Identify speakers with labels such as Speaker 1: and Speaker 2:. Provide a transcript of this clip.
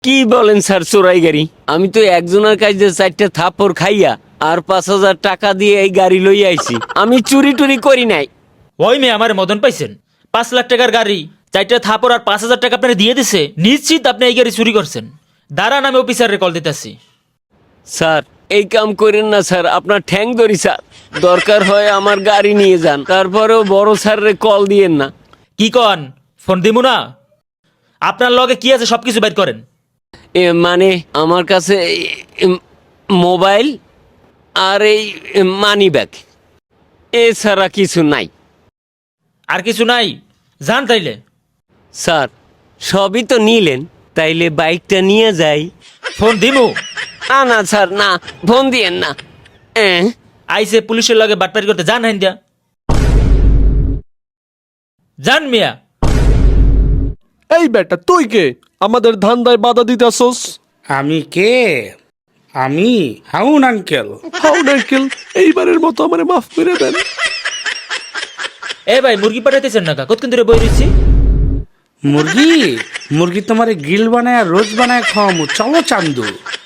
Speaker 1: কি বলেন স্যার চোরাই গাড়ি? আমি তো একজনের কাছে 4টা থাপ্পড় খাইয়া আর 5,000 টাকা দিয়ে এই গাড়ি লইয়া আইছি। আমি চুরি টুরি করি নাই।
Speaker 2: ওই মেয়ে আমার মদন পাইছেন, 5 লাখ টাকার গাড়ি, 4টা থাপড় আর 5,000 টাকা আপনার দিয়ে দিছে, নিশ্চিত আপনি এই গাড়ি চুরি করছেন। দাঁড়ান আমি অফিসারে কল দিতেছি।
Speaker 1: স্যার এই কাম করেন না স্যার, আপনার ঠ্যাং ধরি স্যার। দরকার হয় আমার গাড়ি নিয়ে যান, তারপরেও বড় স্যারের কল দিয়েন না।
Speaker 2: কি কন, ফোন দিমু না? আপনার লগে কি আছে সবকিছু বের করেন।
Speaker 1: মানে আমার কাছে মোবাইল আর এই মানি ব্যাগ, এছাড়া কিছু নাই।
Speaker 2: আর কিছু নাই? যান তাইলে।
Speaker 1: স্যার সবই তো নিলেন, তাইলে বাইকটা নিয়ে যাই।
Speaker 2: ফোন দিমু?
Speaker 1: না না স্যার, না, ফোন দিয়েন না।
Speaker 2: আইসে পুলিশের লগে বাটপারি করতে, যান হাইন দিয়া যান মিয়া।
Speaker 3: এই বেটা তুই কে আমাদের ধান্দায় বাধা দিতেছস?
Speaker 4: আমি কে? আমি হাউন আঙ্কেল।
Speaker 3: হাউন আঙ্কেল, এইবারের মতো আমারে মাফ করে দেন।
Speaker 2: এ ভাই মুরগি পাঠাইতেছেন না? কতক্ষণ ধরে বই রয়েছি।
Speaker 4: মুরগি মুরগি তোমারে গ্রিল বানায় রোজ বানায় খাওয়ামু, চলো চান্দু।